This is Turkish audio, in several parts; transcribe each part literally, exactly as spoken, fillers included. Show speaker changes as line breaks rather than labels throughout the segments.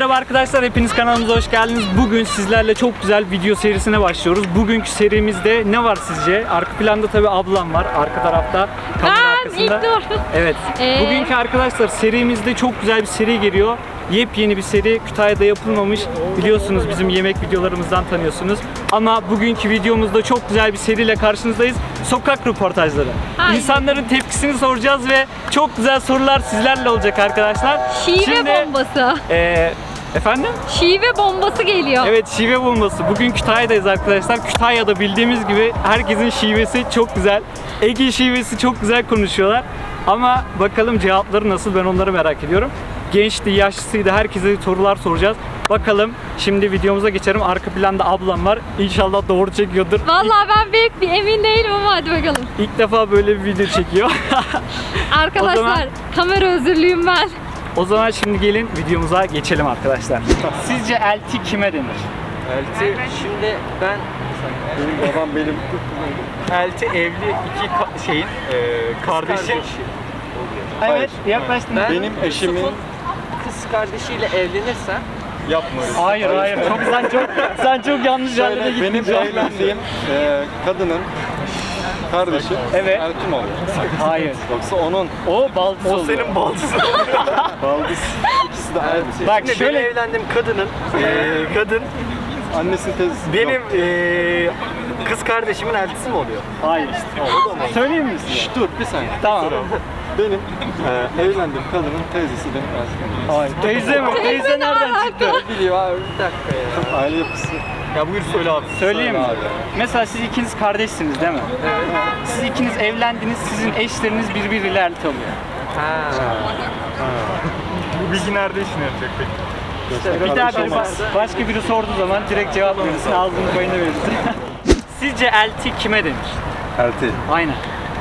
Merhaba arkadaşlar, hepiniz kanalımıza hoş geldiniz. Bugün sizlerle çok güzel video serisine başlıyoruz. Bugünkü serimizde ne var sizce? Arka planda tabii ablam var, arka tarafta kamera
Ben
arkasında.
ilk dur.
Evet.
Ee?
Bugünkü arkadaşlar serimizde çok güzel bir seri geliyor. Yepyeni bir seri, Kütahya'da yapılmamış. Biliyorsunuz, bizim yemek videolarımızdan tanıyorsunuz. Ama bugünkü videomuzda çok güzel bir seriyle karşınızdayız. Sokak röportajları.
Aynen.
İnsanların tepkisini soracağız ve çok güzel sorular sizlerle olacak arkadaşlar.
Şive
Şimdi,
bombası.
e, efendim?
Şive bombası geliyor.
Evet, şive bombası. Bugün Kütahya'dayız arkadaşlar. Kütahya'da bildiğimiz gibi herkesin şivesi çok güzel. Ege şivesi çok güzel konuşuyorlar. Ama bakalım cevapları nasıl, ben onları merak ediyorum. Gençti, yaşlısıydı, herkese sorular soracağız. Bakalım, şimdi videomuza geçelim. Arka planda ablam var. İnşallah doğru çekiyordur.
Vallahi ben büyük bir emin değilim ama hadi bakalım.
İlk defa böyle bir video çekiyor.
Arkadaşlar,
O zaman-
kamera özürlüyüm ben.
O zaman şimdi gelin videomuza geçelim arkadaşlar. Sizce elti kime denir?
Elti, şimdi ben benim babam benim
Elti evli iki ka- şeyin e, kardeşin.
kardeşi.
Evet, yaklaştın.
Ben
Benim
eşimin kız kardeşiyle evlenirsem
yapmıyoruz. Hayır, hayır. Çok sen çok sen çok yanlış yerlere
şöyle
gittin.
benim
şu an.
evlendiğim e, kadının kardeşi
Evet.
Eltim oluyor.
Hayır.
Yoksa onun
O baldız oluyor.
senin baldızın. Baldız. İkisi de Elti.
Bak
Şimdi
şöyle
benim evlendiğim kadının eee kadın
Annesinin teyzesi.
benim
Yok.
eee kız kardeşimin eltisi mi oluyor?
hayır. Söyleyeyim mi size?
Şş, dur bir saniye.
Tamam.
Benim e, evlendiğim kadının teyzesi benim Eltim.
Hayır. Teyze mi? Teyze nereden çıktı?
Biliyor abi bir dakika ya. Aile yapısı.
Ya buyur söyle abi.
Söyleyeyim mi?
Söyle abi.
Mesela siz ikiniz kardeşsiniz değil mi? Evet. Siz ikiniz evlendiniz, sizin eşleriniz birbiriyle elti oluyor.
Bu bilgi nerede işine yarayacak peki?
Bir daha biri bas- başka biri sorduğu zaman direkt cevap verirsin, ağzını payını verirsin. Sizce elti kime denir?
Elti.
Aynen.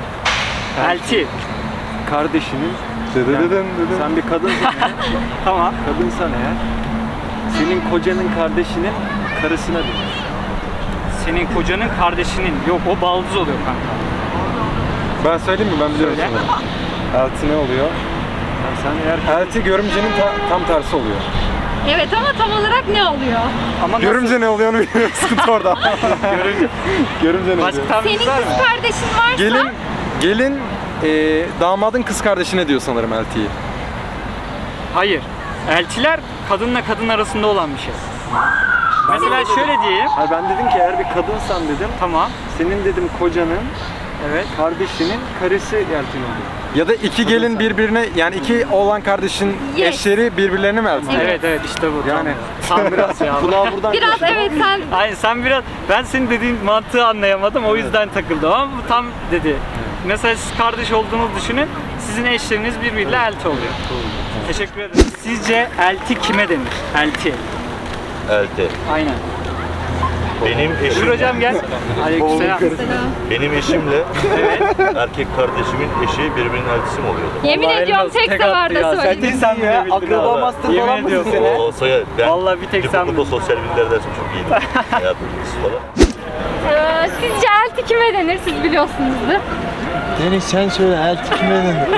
Elti.
Kardeşinin Dıdıdıdın dıdın. Sen bir kadınsın ya.
Tamam.
Kadınsan eğer senin kocanın kardeşinin karısına denir.
Senin kocanın kardeşinin. Yok, o baldız oluyor kanka.
Ben söyleyeyim mi? Ben biliyorum
Söyle.
sana. Elti ne oluyor?
Sen eğer
Elti görümcenin ta- tam tersi oluyor.
Evet ama tam olarak ne oluyor?
ama nasıl?
Görümce ne oluyor onu bilmiyorum. Sıkıntı orada.
Görümce.
Görümce ne
Başka
oluyor?
tahmin
Senin
var mı?
kız kardeşin varsa
Gelin, gelin e, damadın kız kardeşine diyor sanırım eltiyi.
Hayır. Eltiler kadınla kadın arasında olan bir şey. Mesela şöyle diyeyim.
Hayır ben dedim ki eğer bir kadınsan dedim,
Tamam.
senin dedim kocanın
Evet.
kardeşinin karısı eltin oluyor. Ya da iki gelin birbirine, yani iki oğlan kardeşin
Yes.
eşleri birbirlerine mi eltin?
Evet evet işte bu.
Yani
Tam biraz ya.
kulağı buradan
biraz evet sen
Hayır, sen biraz, ben senin dediğin mantığı anlayamadım, o yüzden takıldım ama bu tam dedi. Mesela siz kardeş olduğunuzu düşünün, sizin eşleriniz birbiriyle elti oluyor. Teşekkür ederim. Sizce elti kime denir? Elti.
Elti.
Aynen.
Benim
Buyur
eşim,
hocam gel. Aleykümselam.
benim eşimle erkek kardeşimin eşi birbirinin eltisi mi oluyordu?
yemin
Vallahi
ediyorum
elmas
tek
tek attı
seferde
ya.
söyledim.
Sen sen bile bildin.
akraba
ha.
master
Yemin
falan mısın
ediyorum.
sen?
O olsa ya ben
Vallahi bir tek sen
ilkokulda
bildin.
sosyal bilimler dersim çok iyiydi. Hayat bilgisi falan.
Ee, sizce elti kime denir? Siz biliyorsunuzdur.
Deniz sen söyle elti kime denir?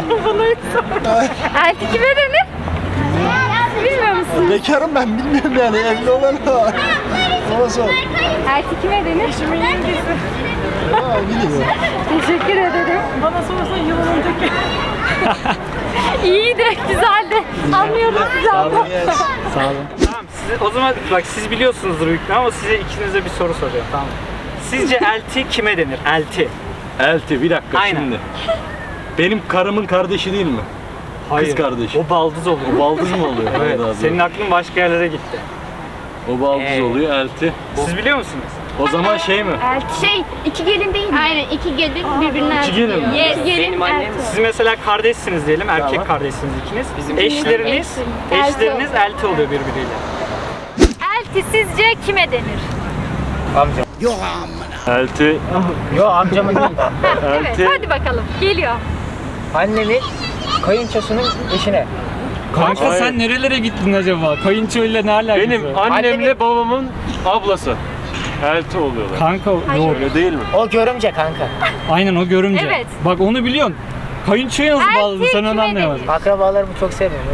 Elti kime denir? Bilmiyor musun?
Bekarım ben bilmiyorum yani evli olan var. Ona sor.
Elti kime denir? Eşimin yengesi.
Ha biliyor.
Teşekkür ederim. Bana sorarsan yıl önceki. İyiydi, güzeldi. Anlıyoruz sizi abla.
Sağ olun. Tamam, size, o zaman bak siz biliyorsunuzdur büyük ihtimalle ama size ikinize bir soru soracağım, tamam mı? Sizce elti kime denir? Elti.
Elti bir dakika
Aynen.
şimdi. Benim karımın kardeşi değil mi?
Hayır.
kardeşi.
O baldız oluyor.
O baldız mı oluyor?
Evet,
abi.
senin aklın başka yerlere gitti.
O baldız
Ee.
oluyor elti.
Siz biliyor musunuz?
O zaman şey mi?
Elti şey, iki gelin değil mi? Aynen, iki gelin birbirine elti
gelin mi?
diyor. Yes, gelin elti.
Siz mesela kardeşsiniz diyelim, erkek kardeşsiniz ikiniz. Eşleriniz,
Elti.
eşleriniz elti oluyor birbiriyle.
Elti sizce kime denir?
Elti.
Yo amcamın değil.
Evet, hadi bakalım. Geliyor.
Annemin kayınçosunun eşine.
Kanka
Hayır.
sen nerelere gittin acaba? Kayınçoyla ne alakası
Benim
var?
annemle babamın ablası. Elti oluyorlar.
Kanka
Hayır.
Öyle değil mi?
O görümce kanka.
aynen o görümce.
Evet.
Bak onu biliyorsun. Kayınçoya nasıl
Elti
bağladın sen onu
kime
anlayamadım.
denir?
Akrabalarımı çok sevmiyorum.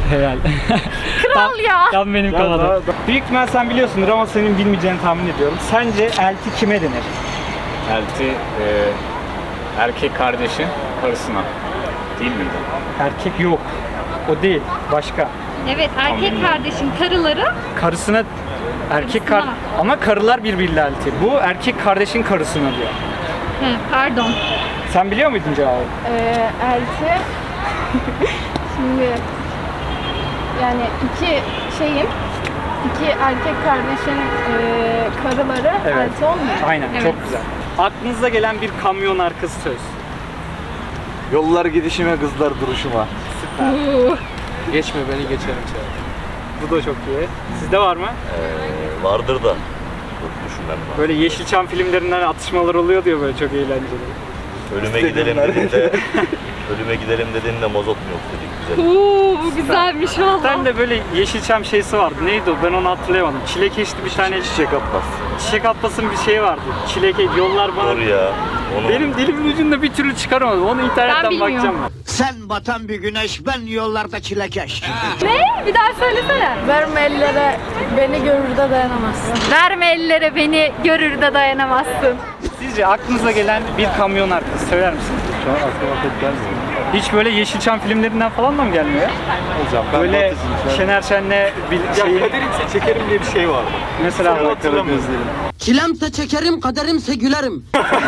Helal.
Kral ya.
Tam benim kafada. Büyük ihtimal sen biliyorsundur ama senin bilmeyeceğini tahmin ediyorum. Sence elti kime denir?
Elti e, erkek kardeşin karısına. Değil miydi?
Erkek yok. O değil. Başka.
Evet, erkek kardeşin karıları.
Karısına erkek kar
Karısına.
ama karılar birbiriyle elti. Bu erkek kardeşin karısına diyor.
He, pardon.
Sen biliyor muydun cevabı?
Ee, elti şimdi yani iki şeyin iki erkek kardeşin e, karıları
Evet.
elti olmuyor.
Aynen.
Evet.
Çok güzel. Aklınıza gelen bir kamyon arkası söz.
Yollar gidişime, kızlar duruşuma.
Geçme beni geçerim çağır.
Bu da çok iyi. Sizde var mı?
Ee, vardır da. Dur düşünmem lazım.
Böyle Yeşilçam filmlerinden atışmalar oluyor diyor böyle çok eğlenceli.
Ölüme gidelim dediğinde, ölüme gidelim dediğinde mazot mu yok dedik güzel.
Oo, bu güzelmiş valla.
Sen de böyle Yeşilçam şeysi vardı. Neydi o? Ben onu hatırlayamadım. Çilekeşli bir tane
Çiçek Abbas.
Çiçek Atlas'ın bir şeyi vardı. Çileke yollar bana.
Dur ya. Onu
Benim dilimin ucunda bir türlü çıkaramadım. Onu internetten
bilmiyorum.
bakacağım ben.
Sen batan bir güneş, ben yollarda çilekeş.
Ne? Bir daha söylesene.
Verme ellere beni görür de dayanamazsın.
Verme ellere beni görür de dayanamazsın.
Sizce aklınıza gelen bir kamyon arkası söyler misiniz?
Şu an aklıma pek gelmiyor.
Hiç böyle Yeşilçam filmlerinden falan da mı gelmiyor ya?
Hocam ben
Böyle
Batısı'nın-
Şener Şen'le bir şeyi
Kaderimse çekerim diye bir şey vardı.
mesela
Sonra Karadenizlerin.
Çilemse çekerim, kaderimse gülerim.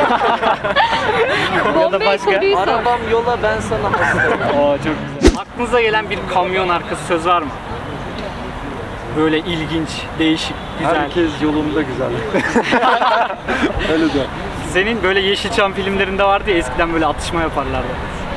ya da
Bombay
başka.
Producer.
yola ben sana hastayım.
Oo çok güzel. Aklınıza gelen bir kamyon arkası söz var mı? Böyle ilginç, değişik, güzel.
Herkes yolunda güzel. Öyle de.
Senin böyle Yeşilçam filmlerinde vardı ya eskiden böyle atışma yaparlardı.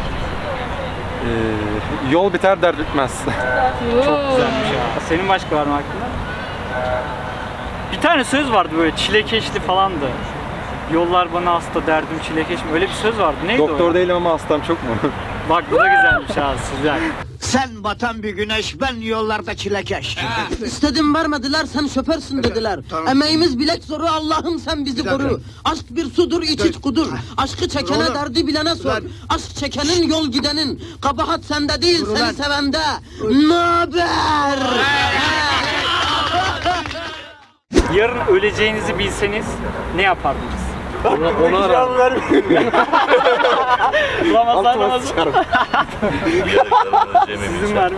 Ee, yol biter dert bitmez.
Çok güzelmiş ya. Senin başka var mı aklında? Bir tane söz vardı böyle çilekeşli falandı. Yollar bana hasta derdim çilekeş mi? Öyle bir söz vardı. Neydi o
Doktor
ya?
değilim ama hastam çok mu?
Bak bu da güzelmiş ha güzel.
Sen batan bir güneş, ben yollarda çilekeş. İstedim vermediler, sen şoförsün dediler. Emeğimiz bilek zoru, Allah'ım sen bizi koru. Aşk bir sudur, iç iç kudur. Aşkı çekene, derdi bilene sor. Aşk çekenin, yol gidenin. Kabahat sende değil, seni sevende. Naber?
Yarın öleceğinizi bilseniz ne yapardınız?
Ona, ona rağmen.
Ramazan Ramazan. Sizin var mı?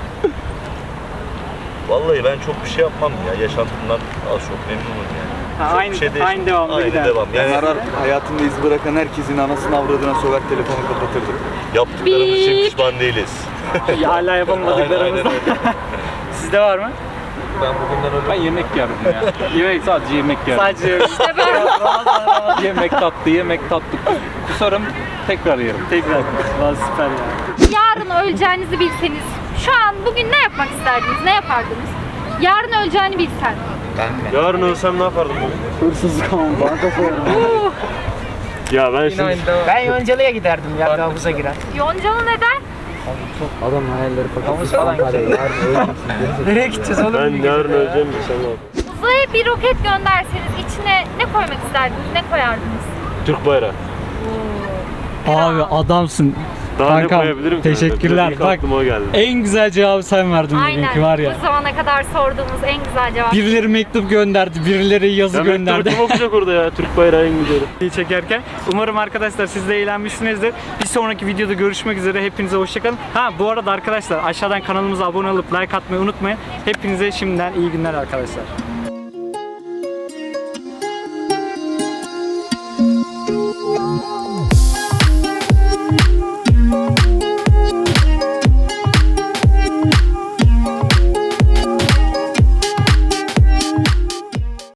Vallahi ben çok bir şey yapmam ya. Yaşantımdan az çok memnunum yani.
Ha,
Çok
aynı,
bir şey değiş-
aynı devamda
Aynı
gider.
devam. Yani
Arar hayatında iz bırakan herkesin anasını avradına sokak telefonu kapatırdı.
yaptıklarımız için
Bip.
pişman değiliz.
Ya, hala
Aynen, aynen
yapamadıklarımızda.
öyle.
Sizde var mı?
Ben bugünden öyle.
Ben yemek yerim ya.
Yemek
Sadece yemek yerim.
sadece
İşte ben.
Yemek tatlı, yemek tatlı. Kusarım tekrar yerim.
tekrar. Vallahi süper ya.
Yarın öleceğinizi bilseniz, şu an bugün ne yapmak isterdiniz, ne yapardınız? Yarın öleceğini bilsen.
Yarın ölsem ne yapardım?
Hırsızlık ama banka soyarım.
Ya ben şimdi...
Ben Yoncalı'ya giderdim ya, havuza girer.
Yoncalı neden?
Adam hayalleri fakat.
Havuz falan gider. Nereye gideceğiz oğlum?
Ben yarın öleceğim bilsem ne yapardım?
Uzaya bir roket gönderseniz içine ne koymak isterdiniz, ne koyardınız?
Türk bayrağı.
Abi adamsın.
Daha
Kankam,
ne koyabilirim ki?
teşekkürler.
İlk
Bak,
aklıma o geldi.
En güzel cevabı sen verdin
Aynen.
bugünkü var ya.
Bu zamana kadar sorduğumuz en güzel cevap.
Birileri mektup gönderdi, birileri yazı
Ya
gönderdi.
mektubu kim okuyacak orada ya? Türk bayrağı en güzeli.
Videoyu çekerken. Umarım arkadaşlar siz de eğlenmişsinizdir. Bir sonraki videoda görüşmek üzere. Hepinize hoşçakalın. Ha bu arada arkadaşlar aşağıdan kanalımıza abone olup like atmayı unutmayın. Hepinize şimdiden iyi günler arkadaşlar.